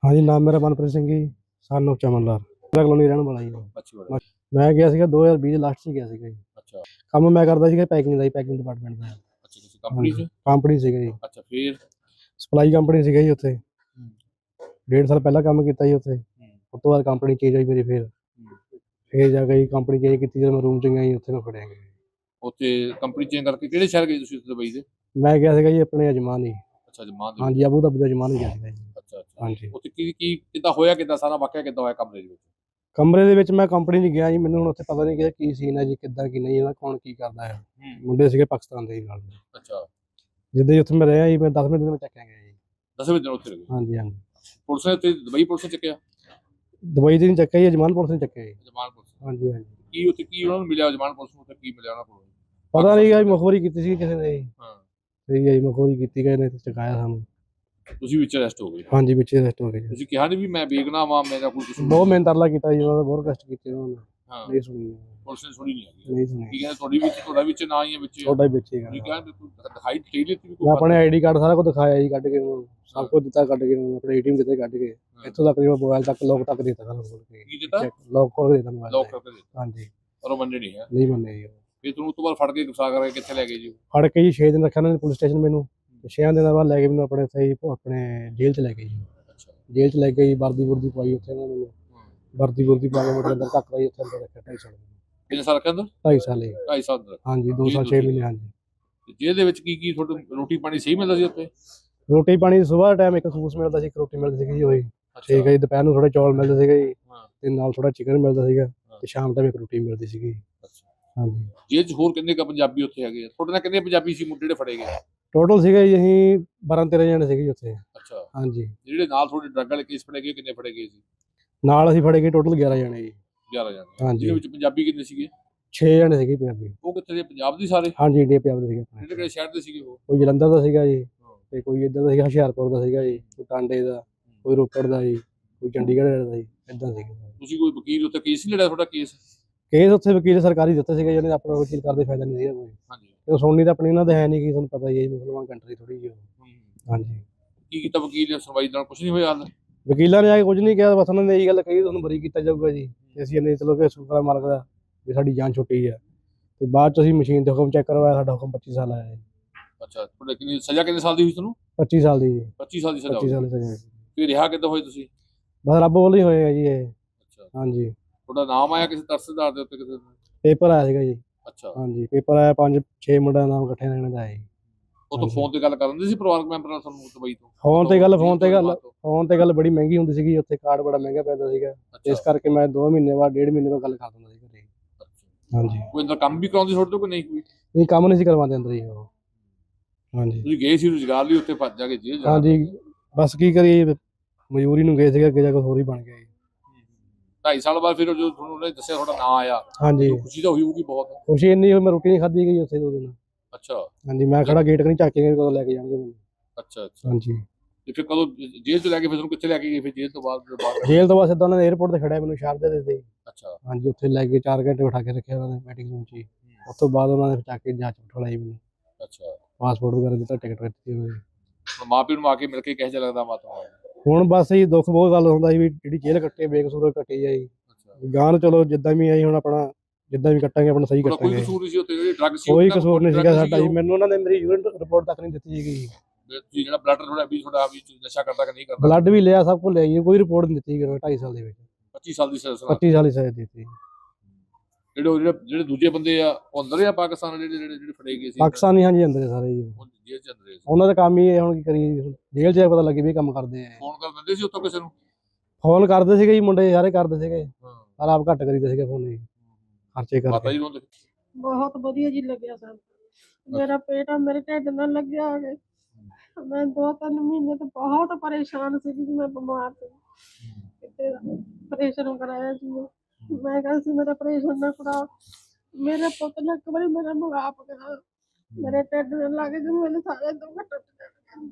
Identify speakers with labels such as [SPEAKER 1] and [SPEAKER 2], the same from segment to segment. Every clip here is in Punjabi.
[SPEAKER 1] हाँ जी, नाम मेरा मनप्रीत सिंह जी, सन ऑफ चमन लाल। मैं कॉलोनी ਰਹਿਣ ਵਾਲਾ ਜੀ।
[SPEAKER 2] ਅੱਛੀ ਬੜਾ
[SPEAKER 1] ਮੈਂ ਗਿਆ ਸੀਗਾ 2020 ਲਾਸਟ 'ਚ ਗਿਆ ਸੀਗਾ ਜੀ।
[SPEAKER 2] ਅੱਛਾ
[SPEAKER 1] ਕੰਮ ਮੈਂ ਕਰਦਾ ਸੀਗਾ ਪੈਕਿੰਗ ਦਾ ਜੀ, ਪੈਕਿੰਗ ਡਿਪਾਰਟਮੈਂਟ ਦਾ।
[SPEAKER 2] ਅੱਛਾ ਕਿਸੇ ਕੰਪਨੀ
[SPEAKER 1] ਹਾਂਜੀ,
[SPEAKER 2] ਚ
[SPEAKER 1] ਕੰਪਨੀ ਸੀਗਾ ਜੀ,
[SPEAKER 2] ਅੱਛਾ ਫਿਰ
[SPEAKER 1] ਸਪਲਾਈ ਕੰਪਨੀ ਸੀਗਾ ਜੀ ਉੱਥੇ। ਡੇਢ ਸਾਲ ਪਹਿਲਾਂ ਕੰਮ ਕੀਤਾ ਜੀ ਉੱਥੇ। ਉਸ ਤੋਂ ਬਾਅਦ ਕੰਪਨੀ ਚੇਂਜ ਹੋਈ ਮੇਰੀ ਫਿਰ ਜਾ ਕੇ ਕੰਪਨੀ ਚੇਂਜ ਕੀਤੀ ਜਦੋਂ ਮੈਂ ਰੂਮ 'ਚ ਗਿਆ ਜੀ, ਉੱਥੇ ਮੈਂ ਫੜਿਆ ਗਿਆ।
[SPEAKER 2] ਉੱਥੇ ਕੰਪਨੀ ਚੇਂਜ ਕਰਕੇ ਕਿਹੜੇ ਸ਼ਹਿਰ ਗਏ ਤੁਸੀਂ ਦੁਬਈ ਦੇ?
[SPEAKER 1] ਮੈਂ ਗਿਆ ਸੀਗਾ ਜੀ ਆਪਣੇ ਅਜਮਾਨ ਹੀ।
[SPEAKER 2] ਅੱਛਾ ਜਮਾਨ ਦੇ
[SPEAKER 1] ਹਾਂਜੀ, ਅਬੂ ਧਾਬੀ ਦਾ ਅਜਮਾਨ ਹੀ ਗਿਆ ਸੀਗਾ ਜੀ।
[SPEAKER 2] ਅੱਛਾ ਅੱਛਾ
[SPEAKER 1] ਹਾਂਜੀ,
[SPEAKER 2] ਉੱਥੇ ਕੀ ਕੀ ਕਿੱਦਾਂ ਹੋਇਆ, ਕਿੱਦਾਂ ਸਾਰਾ ਵਾਕਿਆ ਕਿੱਦਾਂ ਹੋਇਆ ਕਮਰੇ ਦੇ ਵਿੱਚ?
[SPEAKER 1] ਕਮਰੇ ਦੇ ਵਿੱਚ ਮੈਂ ਕੰਪਨੀ 'ਚ ਗਿਆ ਜੀ, ਮੈਨੂੰ ਹੁਣ ਉੱਥੇ ਪਤਾ ਨਹੀਂ ਕਿ ਕੀ ਸੀਨ ਹੈ ਜੀ, ਕਿੱਦਾਂ ਕੀ ਨਹੀਂ ਹੈ, ਕੌਣ ਕੀ ਕਰਦਾ ਹੈ। ਮੁੰਡੇ ਸੀਗੇ ਪਾਕਿਸਤਾਨ ਦੇ ਜੀ ਨਾਲ।
[SPEAKER 2] ਅੱਛਾ
[SPEAKER 1] ਜਿੱਦਾਂ ਹੀ ਉੱਥੇ ਮੈਂ ਰਿਹਾ ਜੀ, ਮੈਂ 10ਵੇਂ ਦਿਨ ਮੈਂ ਚੱਕਿਆ ਗਿਆ ਜੀ।
[SPEAKER 2] 10ਵੇਂ ਦਿਨ ਉੱਥੇ ਰਹੇ?
[SPEAKER 1] ਹਾਂਜੀ ਹਾਂਜੀ,
[SPEAKER 2] ਪੁਲਿਸ ਨੇ ਉੱਥੇ ਦੁਬਈ ਪੁਲਿਸ ਨੇ ਚੱਕਿਆ?
[SPEAKER 1] ਦੁਬਈ ਦੇ ਨਹੀਂ ਚੱਕਿਆ ਜੀ, ਅਜਮਾਨ ਪੁਲਿਸ ਨੇ ਚੱਕਿਆ ਜੀ।
[SPEAKER 2] ਜਮਾਨ ਪੁਲਿਸ ਨੇ?
[SPEAKER 1] ਹਾਂਜੀ ਹਾਂਜੀ,
[SPEAKER 2] ਕੀ ਉੱਥੇ ਕੀ ਉਹਨਾਂ ਨੂੰ ਮਿਲਿਆ ਜਮਾਨ ਪੁਲਿਸ ਨੂੰ, ਉੱਥੇ ਕੀ ਮਿਲਿਆ ਉਹਨਾਂ ਕੋਲ?
[SPEAKER 1] ਪਤਾ ਨਹੀਂ ਗਾ ਜੀ, ਮੁਖਬਰੀ ਕੀਤੀ ਸੀ ਕਿਸੇ ਨੇ ਜੀ।
[SPEAKER 2] ਹਾਂ
[SPEAKER 1] ਠੀਕ ਹੈ ਜੀ, ਮੁਖਬਰੀ ਕੀਤੀ ਗਏ ਨੇ ਤੇ ਚਕਾਇਆ ਸਾਨੂੰ।
[SPEAKER 2] ਤੁਸੀਂ ਵਿੱਚ ਅਰੈਸਟ ਹੋ ਗਏ?
[SPEAKER 1] ਹਾਂਜੀ, ਵਿੱਚ ਅਰੈਸਟ ਹੋ ਗਏ ਜੀ।
[SPEAKER 2] ਤੁਸੀਂ ਕਿਹਾ ਨਹੀਂ ਵੀ ਮੈਂ ਬੇਗੁਨਾਹ ਵਾਂ, ਮੇਰਾ ਕੋਈ ਕਸੂਰ
[SPEAKER 1] ਬਹੁਤ
[SPEAKER 2] ਨਹੀਂ?
[SPEAKER 1] ਮਿਹਨਤ ਤਰਲਾ ਕੀਤਾ ਜੀ, ਉਹਨਾਂ ਦਾ ਬਹੁਤ ਕਸ਼ਟ ਕੀਤੇ ਉਹਨਾਂ ਨੇ।
[SPEAKER 2] ਹਾਂ
[SPEAKER 1] ਨਹੀਂ ਸੁਣੀ,
[SPEAKER 2] ਪੁਲਿਸ ਨੇ ਸੁਣੀ ਨਹੀਂ ਹੈਗੀ?
[SPEAKER 1] ਨਹੀਂ
[SPEAKER 2] ਕੀ
[SPEAKER 1] ਸੁਣੀ।
[SPEAKER 2] ਕਹਿੰਦੇ ਤੁਹਾਡੀ ਵਿੱਚ, ਤੁਹਾਡਾ ਵਿੱਚ ਨਾ ਹੀ ਹੈ ਵਿੱਚ?
[SPEAKER 1] ਛੋਟਾ ਹੀ ਵਿੱਚ ਹੀ
[SPEAKER 2] ਤੁਸੀਂ
[SPEAKER 1] ਗਾ।
[SPEAKER 2] ਕਿਹਾ ਬਿਲਕੁਲ ਦਿਖਾਈ ਦੇ ਦਿੱਤੀ ਵੀ
[SPEAKER 1] ਮੈਂ
[SPEAKER 2] ਕੋਈ
[SPEAKER 1] ਆਪਣੇ ਆਈਡੀ ਕਾਰਡ ਸਾਰਾ ਕੁਝ ਦਿਖਾਇਆ ਜੀ, ਕੱਢ ਕੇ ਉਹਨੂੰ ਸਭ ਕੁਝ ਦਿੱਤਾ, ਕੱਢ ਕੇ ਉਹਨੂੰ ਆਪਣੇ ਏਟੀਐਮ ਦਿੱਤੇ, ਕੱਢ ਕੇ ਇੱਥੋਂ ਤੱਕ ਮੋਬਾਈਲ ਤੱਕ ਲੋਕ ਤੱਕ ਦਿੱਤਾ ਸਾਨੂੰ ਖੋਲ ਕੇ।
[SPEAKER 2] ਕੀ ਦਿੱਤਾ?
[SPEAKER 1] ਲੋਕ ਖੋਲ ਕੇ ਦਿੱਤਾ ਮੋਬਾਈਲ
[SPEAKER 2] ਲੋਕ
[SPEAKER 1] ਦਾ।
[SPEAKER 2] ਕਰਕੇ ਦਿੱਤਾ?
[SPEAKER 1] ਹਾਂਜੀ,
[SPEAKER 2] ਪਰ ਉਹ ਮੰਨੇ ਨਹੀਂ ਹੈ?
[SPEAKER 1] ਨਹੀਂ ਮੰਨੇ ਜੀ ਉਹ।
[SPEAKER 2] ਫਿਰ ਤੁਹਾਨੂੰ ਉਸ ਤੋਂ ਬਾਅਦ ਫੜ ਕੇ ਗੁਸਾ ਕਰਕੇ ਕਿੱਥੇ ਲੈ ਗਏ ਜੀ?
[SPEAKER 1] ਫੜ ਕੇ ਜੀ 6 ਦਿਨ ਰੱਖਿਆ ਉਹਨਾਂ ਨੇ ਪੁਲਿਸ ਸਟੇਸ਼ਨ ਮੈਨੂੰ। 6 ਦਿਨਾਂ ਬਾਅਦ ਲੈ ਕੇ ਮੈਨੂੰ ਆਪਣੇ ਸਹੀ ਆਪਣੇ ਜੇਲ੍ਹ 'ਚ ਲੈ ਗਏ ਜੀ।
[SPEAKER 2] ਅੱਛਾ
[SPEAKER 1] ਜੇਲ੍ਹ 'ਚ ਲੈ ਕੇ ਜੀ ਵਰਦੀ ਵੁਰਦੀ ਪਵਾਈ ਉੱਥੇ ਉਹਨਾਂ ਨੇ ਮੈਨੂੰ। ਵਰਦੀ ਵੁਰਦੀ ਪਾ ਕੇ ਮੇਰੇ ਅੰਦਰ ਧੱਕ ਦਾ ਜੀ, ਉੱਥੇ ਅੰਦਰ ਰੱਖਿਆ 2.5 ਸਾਲ।
[SPEAKER 2] ਕਿੰਨੇ ਸਾਲ ਰੱਖਿਆ ਅੰਦਰ?
[SPEAKER 1] 2.5 ਸਾਲ ਜੀ।
[SPEAKER 2] 2.5 ਸਾਲ ਅੰਦਰ?
[SPEAKER 1] ਹਾਂਜੀ, 2 ਸਾਲ 6 ਮਹੀਨੇ। ਹਾਂਜੀ,
[SPEAKER 2] ਤੇ ਜੇਲ੍ਹ ਦੇ ਵਿੱਚ ਕੀ ਕੀ ਤੁਹਾਨੂੰ ਰੋਟੀ ਪਾਣੀ ਸਹੀ ਮਿਲਦਾ ਸੀ ਉੱਥੇ?
[SPEAKER 1] ਰੋਟੀ ਪਾਣੀ ਸੁਬਾਹ ਟਾਈਮ ਇੱਕ ਖੂਸ ਮਿਲਦਾ ਸੀ, ਇੱਕ ਰੋਟੀ ਮਿਲਦੀ ਸੀਗੀ ਜੀ ਉਹੀ। ਠੀਕ ਹੈ ਜੀ, ਦੁਪਹਿਰ ਨੂੰ ਥੋੜੇ ਚੌਲ ਮਿਲਦੇ ਸੀਗੇ ਜੀ,
[SPEAKER 2] ਹਾਂ
[SPEAKER 1] ਤੇ ਨਾਲ ਥੋੜਾ ਚਿਕਨ ਮਿਲਦਾ ਸੀਗਾ, ਤੇ ਸ਼ਾਮ ਟਾਈਮ ਇੱਕ ਰੋਟੀ ਮਿਲਦੀ ਸੀਗੀ।
[SPEAKER 2] ਅੱਛਾ
[SPEAKER 1] ਹਾਂਜੀ,
[SPEAKER 2] ਜੇਲ੍ਹ 'ਚ ਹੋਰ ਕਿੰਨੇ ਕੁ ਪੰਜਾਬੀ ਉੱਥੇ ਹੈਗੇ ਆ? ਤੁਹਾਡੇ ਨਾਲ ਕਿੰਨੇ ਪੰਜਾਬੀ ਸੀ ਮੁੰਡੇ ਜਿਹੜੇ ਫੜੇ ਗਏ?
[SPEAKER 1] ਟੋਟਲ ਸੀਗਾ ਜੀ ਅਸੀਂ 12-13 ਜਣੇ ਸੀਗੇ ਜੀ ਉੱਥੇ।
[SPEAKER 2] ਅੱਛਾ
[SPEAKER 1] ਹਾਂਜੀ,
[SPEAKER 2] ਜਿਹੜੇ ਨਾਲ ਤੁਹਾਡੇ ਡਰੱਗ ਵਾਲੇ ਕੇਸ ਫੜੇ ਗਏ ਕਿੰਨੇ ਫੜੇ ਗਏ ਸੀ?
[SPEAKER 1] ਨਾਲ ਅਸੀਂ ਫੜੇ ਗਏ ਟੋਟਲ 11 ਜਣੇ ਜੀ।
[SPEAKER 2] 11 ਜਣੇ?
[SPEAKER 1] ਹਾਂਜੀ,
[SPEAKER 2] ਜਿਹਦੇ ਵਿੱਚ ਪੰਜਾਬੀ ਕਿੰਨੇ ਸੀਗੇ?
[SPEAKER 1] 6 ਜਣੇ ਸੀਗੇ ਪੰਜਾਬੀ।
[SPEAKER 2] ਉਹ ਕਿੱਥੇ ਦੇ, ਪੰਜਾਬ ਦੇ ਸਾਰੇ?
[SPEAKER 1] ਹਾਂਜੀ, ਇੰਡੀਆ ਪੰਜਾਬ ਦੇ ਸੀਗੇ
[SPEAKER 2] ਕਿਹੜੇ
[SPEAKER 1] ਆਪਣੇ।
[SPEAKER 2] ਕਿਹੜੇ ਸ਼ਹਿਰ ਦੇ ਸੀਗੇ ਉਹ?
[SPEAKER 1] ਕੋਈ ਜਲੰਧਰ ਦਾ ਸੀਗਾ ਜੀ,
[SPEAKER 2] ਹਾਂ।
[SPEAKER 1] ਤੇ ਕੋਈ ਇੱਧਰ ਦਾ ਸੀਗਾ ਹੁਸ਼ਿਆਰਪੁਰ ਦਾ ਸੀਗਾ ਜੀ, ਕੋਈ ਟਾਂਡੇ ਦਾ, ਕੋਈ ਰੋਪੜ ਦਾ ਜੀ, ਕੋਈ ਚੰਡੀਗੜ੍ਹ ਦਾ ਜੀ, ਇੱਦਾਂ ਸੀਗਾ।
[SPEAKER 2] ਤੁਸੀਂ ਕੋਈ ਵਕੀਲ ਉੱਥੇ ਕੇਸ ਨਹੀਂ ਲੜਿਆ ਤੁਹਾਡਾ ਕੇਸ?
[SPEAKER 1] ਕੇਸ ਉੱਥੇ ਵਕੀਲ ਸਰਕਾਰੀ ਦਿੱਤੇ ਸੀਗੇ, ਜਿਹਨੇ ਆਪਣਾ ਵਕੀਲ ਕਰਦੇ ਫਾਇਦਾ ਨਹੀਂ ਸੀਗਾ ਕੋਈ।
[SPEAKER 2] ਹਾਂਜੀ
[SPEAKER 1] ਤੇ ਸੁਣਨੀ ਤਾਂ ਆਪਣੀ ਉਹਨਾਂ ਦੇ ਹੈ ਨਹੀਂ, ਕਿ ਤੁਹਾਨੂੰ ਪਤਾ ਹੀ ਹੈ ਜੀ, ਮੁਸਲਮਾਨ ਕੰਟਰੀ ਥੋੜੀ ਜਿਹੀ ਉਹ। ਹਾਂਜੀ,
[SPEAKER 2] ਕੀ ਕੀਤਾ ਵਕੀਲ ਨੇ? ਸੁਣਵਾਈ ਨਾਲ ਕੁਝ ਨਹੀਂ ਹੋਇਆ ਹਾਲ?
[SPEAKER 1] ਵਕੀਲਾਂ ਨੇ ਆ ਕੇ ਕੁਝ ਨਹੀਂ ਕਿਹਾ, ਬਸ ਉਹਨਾਂ ਨੇ ਇਹੀ ਗੱਲ ਕਹੀ ਤੁਹਾਨੂੰ ਬਰੀ ਕੀਤਾ ਜਾਊਗਾ ਜੀ। ਤੇ ਅਸੀਂ ਇਹਨੇ ਚਲੋ ਕਿ ਸ਼ੁਕਰ ਮਾਲਕ ਦਾ ਵੀ ਸਾਡੀ ਜਾਨ ਛੁੱਟੀ ਆ। ਤੇ ਬਾਅਦ ਚ ਅਸੀਂ ਮਸ਼ੀਨ ਤੇ ਹੁਕਮ ਚੈੱਕ ਕਰਵਾਇਆ, ਸਾਡਾ ਹੁਕਮ 25 ਸਾਲ ਆਇਆ ਜੀ।
[SPEAKER 2] ਅੱਛਾ ਤੁਹਾਡੇ ਕਿੰਨੀ ਸਜ਼ਾ, ਕਿੰਨੇ ਸਾਲ ਦੀ ਹੋਈ ਤੁਹਾਨੂੰ?
[SPEAKER 1] 25 ਸਾਲ ਦੀ ਜੀ।
[SPEAKER 2] 25 ਸਾਲ ਦੀ ਸਜ਼ਾ
[SPEAKER 1] 25
[SPEAKER 2] ਹੋਈ?
[SPEAKER 1] ਸਾਲ ਦੀ ਸਜ਼ਾ।
[SPEAKER 2] ਫਿਰ ਰਿਹਾ ਕਿੱਦਾਂ ਹੋਏ ਤੁਸੀਂ?
[SPEAKER 1] ਬਸ ਰੱਬ ਵੱਲੋਂ ਹੀ ਹੋਏ ਆ ਜੀ ਇਹ।
[SPEAKER 2] ਅੱਛਾ
[SPEAKER 1] ਹਾਂਜੀ,
[SPEAKER 2] ਤੁਹਾਡਾ ਨਾਮ ਆਇਆ ਕਿਸੇ ਤਰਸਦਾਰ ਦੇ ਉੱਤੇ ਕਿਸੇ ਦਾ?
[SPEAKER 1] ਪੇਪਰ ਆਇਆ ਸੀਗਾ ਜੀ।
[SPEAKER 2] ਅੱਛਾ
[SPEAKER 1] ਹਾਂਜੀ, ਪੇਪਰ ਆਇਆ, 5-6 ਮੁੰਡਿਆਂ ਦਾ ਨਾਮ ਇਕੱਠੇ ਰਹਿਣ ਦਾ ਆਇਆ ਜੀ।
[SPEAKER 2] ਉਹ ਤੋਂ ਫੋਨ ਤੇ ਗੱਲ ਕਰਨ ਦੇ ਸੀ ਪਰਿਵਾਰਕ ਮੈਂਬਰ ਨਾਲ ਤੁਹਾਨੂੰ ਦੁਬਈ ਤੋਂ?
[SPEAKER 1] ਫੋਨ ਤੇ ਗੱਲ ਬੜੀ ਮਹਿੰਗੀ ਹੁੰਦੀ ਸੀਗੀ ਉੱਥੇ, ਕਾਰਡ ਬੜਾ ਮਹਿੰਗਾ ਪੈਂਦਾ ਸੀਗਾ। ਇਸ ਕਰਕੇ ਮੈਂ 2 ਮਹੀਨੇ ਬਾਅਦ, 1.5 ਮਹੀਨੇ ਬਾਅਦ ਗੱਲ ਕਰ ਦਿੰਦਾ ਸੀ ਘਰੇ। ਹਾਂਜੀ,
[SPEAKER 2] ਕੋਈ ਅੰਦਰ ਕੰਮ ਵੀ ਕਰਾਉਂਦੀ ਤੁਹਾਡੇ ਤੋਂ ਕਿ ਨਹੀਂ ਕੋਈ?
[SPEAKER 1] ਨਹੀਂ ਕੰਮ ਨਹੀਂ ਸੀ ਕਰਵਾਉਂਦੇ ਅੰਦਰ ਜੀ ਉਹ। ਹਾਂਜੀ
[SPEAKER 2] ਤੁਸੀਂ ਗਏ ਸੀ ਰੁਜ਼ਗਾਰ ਲਈ ਉੱਥੇ, ਭੱਜ ਜਾ ਕੇ ਜੇਲ੍ਹ ਜਾਣਾ?
[SPEAKER 1] ਹਾਂਜੀ, ਬਸ ਕੀ ਕਰੀਏ, ਮਜ਼ਦੂਰੀ ਨੂੰ ਗਏ ਸੀਗੇ, ਅੱਗੇ ਜਾ ਕੇ ਹੋਰ ਹੀ ਬਣ ਗਿਆ ਜੀ।
[SPEAKER 2] 2.5 ਸਾਲ ਬਾਅਦ ਫਿਰ ਜਦੋਂ ਤੁਹਾਨੂੰ ਉਹਨੇ ਦੱਸਿਆ ਤੁਹਾਡਾ ਨਾਂ ਆਇਆ,
[SPEAKER 1] ਹਾਂਜੀ,
[SPEAKER 2] ਖੁਸ਼ੀ ਤਾਂ ਹੋਈ ਹੋਊਗੀ ਬਹੁਤ?
[SPEAKER 1] ਖੁਸ਼ੀ ਇੰਨੀ ਹੋਈ, ਮੈਂ ਰੋਟੀ ਨਹੀਂ ਖਾਧੀ ਗਈ ਉੱਥੇ 2 ਦਿਨ।
[SPEAKER 2] ਅੱਛਾ
[SPEAKER 1] ਹਾਂਜੀ, ਮੈਂ ਖੜਾ ਗੇਟ ਕਨੀ ਝਾਕ ਕੇ ਗਏ, ਕਦੋਂ ਲੈ ਕੇ ਜਾਣਗੇ ਮੈਨੂੰ।
[SPEAKER 2] ਅੱਛਾ ਅੱਛਾ
[SPEAKER 1] ਹਾਂਜੀ,
[SPEAKER 2] ਤੇ ਫਿਰ ਕਦੋਂ ਜੇਲ੍ਹ ਤੋਂ ਲੈ ਕੇ ਫਿਰ ਤੁਹਾਨੂੰ ਕਿੱਥੇ ਲੈ ਕੇ ਗਏ ਫਿਰ ਜੇਲ੍ਹ ਤੋਂ ਬਾਅਦ ਬਾਹਰ?
[SPEAKER 1] ਜੇਲ੍ਹ ਤੋਂ ਬਾਅਦ ਸਿੱਧਾ ਉਹਨਾਂ ਨੇ 에ਅਰਪੋਰਟ ਤੇ ਖੜਿਆ ਮੈਨੂੰ, ਸ਼ਾਰਜਾ ਦੇ ਦਿੱਤੇ।
[SPEAKER 2] ਅੱਛਾ
[SPEAKER 1] ਹਾਂਜੀ, ਉੱਥੇ ਲੈ ਕੇ 4 ਘੰਟੇ ਬਿਠਾ ਕੇ ਰੱਖਿਆ ਉਹਨਾਂ ਨੇ ਮੀਟਿੰਗ ਰੂਮ 'ਚ ਹੀ। ਉਸ ਤੋਂ ਬਾਅਦ ਉਹਨਾਂ ਨੇ ਚੱਕ ਕੇ ਜਾਂਚ ਬਿਠਾਈ ਮੈਨੂੰ,
[SPEAKER 2] ਅੱਛਾ
[SPEAKER 1] ਪਾਸਪੋਰਟ ਵਗੈਰਾ ਦਿੱਤਾ, ਟਿਕਟ ਦਿੱਤੀ ਉਹਨਾਂ ਨੇ।
[SPEAKER 2] ਹੁਣ ਮਾਂ ਪਿਓ ਨੂੰ ਆ ਕੇ ਮਿਲ ਕੇ ਕਿਹੋ ਜਿਹਾ ਲੱਗਦਾ ਮਾਤਾ?
[SPEAKER 1] ਹੁਣ ਬਸ ਜੀ ਦੁੱਖ ਬਹੁਤ ਗੱਲ ਹੁੰਦਾ ਸੀ ਵੀ ਜਿਹੜੀ ਜੇਲ੍ਹ ਕੱਟੇ ਬੇਕਸੂਰ ਕੱਟੀ ਆ ਜੀ।
[SPEAKER 2] ਅੱਛਾ
[SPEAKER 1] ਗਾਂ ਨੂੰ ਚਲੋ ਜਿੱਦਾਂ ਵੀ ਆਈ, ਹੁਣ ਆਪਣਾ ਜਿੱਦਾਂ ਵੀ ਕੱਟਾਂਗੇ ਆਪਣਾ ਸਹੀ
[SPEAKER 2] ਤੁਹਾਡਾ ਕੋਈ
[SPEAKER 1] ਕੱਟਾਂਗੇ।
[SPEAKER 2] ਕਸੂਰ ਨਹੀਂ ਸੀ ਉੱਥੇ? ਜਿਹੜੀ ਡਰੱਗ ਸੀ
[SPEAKER 1] ਕੋਈ
[SPEAKER 2] ਉਹਨਾਂ ਕੋਲ
[SPEAKER 1] ਕਸੂਰ ਨਹੀਂ
[SPEAKER 2] drug
[SPEAKER 1] ਸੀਗਾ ਸਾਡਾ ਜੀ,
[SPEAKER 2] ਉਹ?
[SPEAKER 1] ਮੈਨੂੰ ਉਹਨਾਂ ਨੇ ਮੇਰੀ ਯੂਰਿਨ ਰਿਪੋਰਟ ਤੱਕ ਨਹੀਂ ਦਿੱਤੀ ਸੀਗੀ।
[SPEAKER 2] ਤੁਸੀਂ ਜਿਹੜਾ ਬਲੱਡ ਤੁਹਾਡਾ ਵੀ ਤੁਹਾਡਾ ਵੀ ਨਸ਼ਾ ਕਰਦਾ ਕਿ ਨਹੀਂ ਕਰਦਾ?
[SPEAKER 1] ਬਲੱਡ ਵੀ ਲਿਆ, ਸਭ ਕੁਝ ਲਿਆ ਜੀ, ਕੋਈ ਰਿਪੋਰਟ ਨਹੀਂ ਦਿੱਤੀ 2.5 ਸਾਲ ਦੇ ਵਿੱਚ।
[SPEAKER 2] 25 ਸਾਲ ਦੀ ਸਜ਼ਾ ਸੁਣਾ
[SPEAKER 1] 25 ਸਾਲ ਦੀ ਸਜ਼ਾ ਦਿੱਤੀ।
[SPEAKER 2] ਜਿਹੜੇ ਦੂਜੇ ਬੰਦੇ ਆ ਉਹ ਅੰਦਰ ਆ ਪਾਕਿਸਤਾਨ, ਜਿਹੜੇ ਫੜੇ ਗਏ ਸੀ
[SPEAKER 1] ਪਾਕਿਸਤਾਨੀ ਹਾਂਜੀ ਅੰਦਰ ਸਾਰੇ ਜੀ,
[SPEAKER 2] ਉਹ ਜੇਲ੍ਹ ਚ ਅੰਦਰ ਸੀ?
[SPEAKER 1] ਉਹਨਾਂ ਦਾ ਕੰਮ ਹੀ ਇਹ, ਹੁਣ ਕੀ ਕਰੀਏ, ਜੇਲ੍ਹ 'ਚ ਪਤਾ ਲੱਗੇ ਵੀ ਇਹ ਕੰਮ ਕਰਦੇ ਆ।
[SPEAKER 2] ਫੋਨ ਕਰ ਦਿੰਦੇ ਸੀ ਉੱਥੋਂ ਕਿਸੇ ਨੂੰ?
[SPEAKER 1] ਫੋਨ ਕਰਦੇ ਸੀਗੇ ਜੀ, ਮੁੰਡੇ ਸਾਰੇ ਕਰਦੇ ਸੀਗੇ,
[SPEAKER 2] ਹਾਂ
[SPEAKER 1] ਪਰ ਆਪ ਘੱਟ ਕਰੀਦੇ ਸੀਗੇ ਫੋਨ ਜੀ, ਖਰਚੇ
[SPEAKER 2] ਮਾਤਾ
[SPEAKER 1] ਕਰਕੇ।
[SPEAKER 2] ਜੀ ਨੂੰ?
[SPEAKER 3] ਬਹੁਤ ਵਧੀਆ ਜੀ ਲੱਗਿਆ ਸਾਨੂੰ। ਮੇਰਾ ਪੇਟ ਮੇਰੇ ਢਿੱਡ ਨਾਲ ਲੱਗਿਆ ਆ ਕੇ, ਮੈਂ 2-3 ਮਹੀਨੇ ਤੋਂ ਬਹੁਤ ਪਰੇਸ਼ਾਨ ਸੀ ਕਿ ਮੈਂ ਬਿਮਾਰ ਸੀ, ਕਿਤੇ ਆਪਰੇਸ਼ਨ ਕਰਾਇਆ ਸੀ ਮੈਂ ਕਿਹਾ ਸੀ ਮੇਰਾ ਆਪਰੇਸ਼ਨ ਨਾ ਕਰਾ, ਮੇਰੇ ਪੁੱਤ ਨੇ ਇੱਕ ਵਾਰੀ ਮੇਰਾ ਮੁਗਾਪ ਕਰਾ, ਮੇਰੇ ਢਿੱਡ ਨਾਲ ਲੱਗ ਗਏ, ਮੇਰੇ ਸਾਰੇ ਦੁੱਖ ਟੁੱਟ ਗਏ।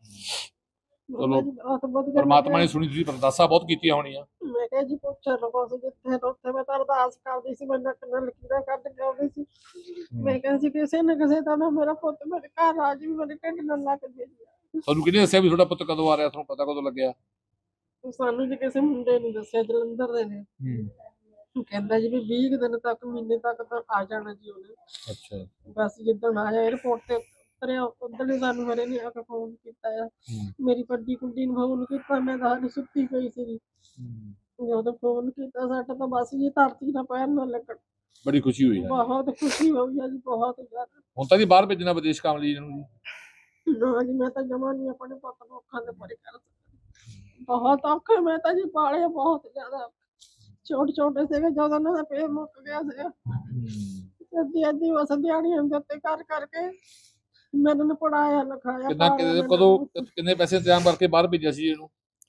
[SPEAKER 2] ਚਲੋ
[SPEAKER 3] ਬਹੁਤ ਵਧੀਆ
[SPEAKER 2] ਪਰਮਾਤਮਾ ਨੇ ਸੁਣੀ, ਤੁਸੀਂ ਅਰਦਾਸਾਂ ਬਹੁਤ ਕੀਤੀਆਂ ਹੋਣੀਆਂ।
[SPEAKER 3] ਮੈਂ ਕਿਹਾ ਜੀ ਪੁੱਛ ਲਓ, ਜਿੱਥੇ ਉੱਥੇ ਮੈਂ ਤਾਂ ਅਰਦਾਸ ਕਰਦੀ ਸੀ, ਮੈਂ ਨੱਕ ਨਾਲ ਲਕੀਰਾਂ ਕੱਢ ਕੇ ਆਉਂਦੀ ਸੀ। ਮੈਂ ਕਿਹਾ ਸੀ ਕਿਸੇ ਨਾ ਕਿਸੇ ਤਰ੍ਹਾਂ ਮੇਰਾ ਪੁੱਤ ਮੇਰੇ ਘਰ ਆ ਜੀ, ਮੇਰੇ ਢਿੱਡ ਨਾਲ ਲੱਗ ਜੇ।
[SPEAKER 2] ਤੁਹਾਨੂੰ ਕਿਹਨੇ ਦੱਸਿਆ ਵੀ ਤੁਹਾਡਾ ਪੁੱਤ ਕਦੋਂ ਆ ਰਿਹਾ? ਤੁਹਾਨੂੰ ਪਤਾ ਕਦੋਂ ਲੱਗਿਆ?
[SPEAKER 3] ਸਾਨੂੰ ਜੀ ਕਿਸੇ ਮੁੰਡੇ ਨੇ ਦੱਸਿਆ, ਜਲੰਧਰ ਦੇ ਨੇ। ਕਹਿੰਦਾ ਜੀ ਵੀ 20 ਕੁ ਦਿਨ ਤੱਕ, ਮਹੀਨੇ ਤੱਕ ਤਾਂ ਆ ਜਾਣਾ ਜੀ ਉਹਨੇ।
[SPEAKER 2] ਅੱਛਾ।
[SPEAKER 3] ਬਸ ਜਿੱਦਣ ਆਇਆ 에어ਪੋਰਟ ਤੇ ਉਤਰਿਆ, ਉਦੋਂ ਹੀ ਸਾਨੂੰ ਮੇਰੇ ਨੇ ਆ ਕੇ ਫੋਨ ਕੀਤਾ ਆ। ਮੇਰੀ ਵੱਡੀ ਕੁੜੀ ਨੂੰ ਫੋਨ ਕੀਤਾ, ਮੈਂ ਤਾਂ ਹਾਲੇ ਸੁੱਤੀ ਪਈ ਸੀ। ਜਦੋਂ ਫੋਨ ਕੀਤਾ ਸਾਡਾ ਤਾਂ ਬਸ ਜੀ ਧਰਤੀ ਨਾਲ ਪੈਰ ਨਾ ਲੱਗਣ।
[SPEAKER 2] ਬੜੀ ਖੁਸ਼ੀ ਹੋਈ ਹੈ।
[SPEAKER 3] ਬਹੁਤ ਖੁਸ਼ੀ ਹੋਈ ਆ ਜੀ, ਬਹੁਤ ਜ਼ਿਆਦਾ।
[SPEAKER 2] ਹੁਣ ਤਾਂ ਜੀ ਬਾਹਰ ਭੇਜਣਾ ਵਿਦੇਸ਼ ਕੰਮ ਲਈ ਇਹਨੂੰ ਜੀ?
[SPEAKER 3] ਨਾ ਜੀ, ਮੈਂ ਤਾਂ ਜਮਾਂ ਨਹੀਂ ਆਪਣੇ ਪੁੱਤ ਨੂੰ ਅੱਖਾਂ ਦੇ ਪਰੇ ਕਰ ਸਕਦੀ। ਬਹੁਤ ਔਖੇ ਮੈਂ ਤਾਂ ਜੀ ਪਾਲੇ, ਬਹੁਤ ਜ਼ਿਆਦਾ। ਛੋਟੇ ਸੀਗੇ ਜਦੋਂ ਉਹਨਾਂ ਦਾ ਪੇਟ ਮੁੱਕ ਗਿਆ ਸੀਗਾ। ਅੱਧੀ ਬਸ ਦਿਹਾੜੀਆਂ ਦੇ ਉੱਤੇ ਕਰ ਕਰਕੇ ਮੈਂ ਇਹਨਾਂ ਨੂੰ ਪੜਾਇਆ ਲਿਖਾਇਆ।
[SPEAKER 2] ਕਿੰਨੇ ਪੈਸੇ ਇੰਤਜ਼ਾਮ ਕਰਕੇ ਬਾਹਰ ਭੇਜਿਆ ਸੀ ਇਹਨੂੰ?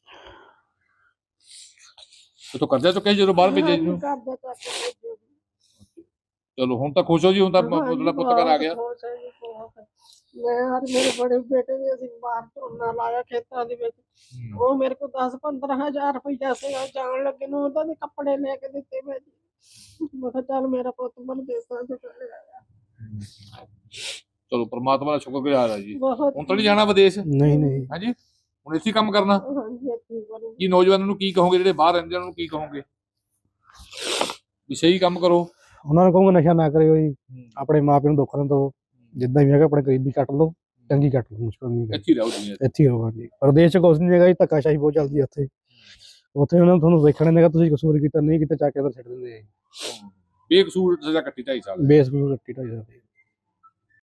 [SPEAKER 2] ਤੋ ਕਰਜ਼ਾ ਚੁੱਕਿਆ ਜਦੋਂ ਬਾਹਰ ਭੇਜਿਆ ਜੀ? ਚਲੋ ਹੁਣ ਤਾਂ ਖੁਸ਼ ਹੋ ਜੀ, ਹੁਣ ਤਾਂ ਤੁਹਾਡਾ ਪੁੱਤ ਘਰ ਆ ਗਿਆ।
[SPEAKER 3] ਮੈਂ ਔਰ ਮੇਰੇ ਬੜੇ ਬੇਟੇ ਨੇ ਅਸੀਂ ਬਾਹਰ ਝੋਨਾ ਲਾਇਆ ਖੇਤਾਂ ਦੇ ਵਿੱਚ। ਉਹ ਮੇਰੇ ਕੋਲ 10-15 ਹਜ਼ਾਰ ਰੁਪਈਆ ਸੀਗਾ, ਜਾਣ ਲੱਗੇ ਨੂੰ ਉਹਦਾ ਦੇ ਕੱਪੜੇ ਲੈ ਕੇ ਦਿੱਤੇ ਮੈਂ ਜੀ। ਮੈਂ ਕਿਹਾ ਚੱਲ ਮੇਰਾ ਪੁੱਤ ਮਨ ਦੇਸਾਂ ਚ ਚਲੇ ਆਇਆ।
[SPEAKER 2] ਚਲੋ ਪ੍ਰਮਾਤਮਾ ਦਾ ਸ਼ੁਕਰਗੁਜ਼ਾਰ ਆ ਜੀ।
[SPEAKER 3] ਬਹੁਤ
[SPEAKER 2] ਹੁਣ ਤਾਂ ਨਹੀਂ ਜਾਣਾ ਵਿਦੇਸ਼?
[SPEAKER 1] ਨਹੀਂ
[SPEAKER 2] ਹਾਂਜੀ, ਹੁਣ ਇੱਥੇ ਕੰਮ ਕਰਨਾ?
[SPEAKER 3] ਹਾਂਜੀ, ਇੱਥੇ ਕਰੂੰ।
[SPEAKER 2] ਕੀ ਨੌਜਵਾਨਾਂ ਨੂੰ ਕੀ ਕਹੋਗੇ, ਜਿਹੜੇ ਬਾਹਰ ਰਹਿੰਦੇ ਉਹਨਾਂ ਨੂੰ ਕੀ ਕਹੋਗੇ ਵੀ ਸਹੀ ਕੰਮ ਕਰੋ?
[SPEAKER 1] ਉਹਨਾਂ ਨੂੰ ਕਹੂੰਗਾ ਨਸ਼ਾ ਨਾ ਕਰਿਓ ਜੀ, ਆਪਣੇ ਮਾਪਿਆਂ ਨੂੰ ਦੁੱਖ ਨਾ ਦਿਓ, ਜਿੱਦਾਂ ਵੀ ਹੈਗਾ ਆਪਣੇ ਗਰੀਬੀ ਕੱਟ ਲਓ, ਚੰਗੀ ਕੱਟ ਲਓ, ਮੁਸ਼ਕਲ ਨਹੀਂ ਹੈ।
[SPEAKER 2] ਇੱਥੇ ਰਹੋ ਦੁਨੀਆ 'ਚ।
[SPEAKER 1] ਇੱਥੇ ਹੀ ਰਹੋ ਜੀ। ਪ੍ਰਦੇਸ਼ 'ਚ ਕੁਛ ਨਹੀਂ ਹੈਗਾ ਜੀ, ਧੱਕਾਸ਼ਾਹੀ ਬਹੁਤ ਚੱਲਦੀ ਹੈ ਉੱਥੇ। ਉੱਥੇ ਉਹਨਾਂ ਨੂੰ ਤੁਹਾਨੂੰ ਦੇਖਣਾ ਨਹੀਂ ਹੈਗਾ, ਤੁਸੀਂ ਕਸੂਰ ਕੀਤਾ ਨਹੀਂ ਕੀਤਾ, ਚੱਕ ਕੇ ਅੰਦਰ ਛੱਡ ਦਿੰਦੇ ਆ ਜੀ।
[SPEAKER 2] ਬੇਕਸੂਰ ਸਜ਼ਾ ਕੱਟੀ 2.5 ਸਾਲ।
[SPEAKER 1] ਬੇਸ ਨੂੰ ਕੱਟੀ 2.5 ਸਾਲ।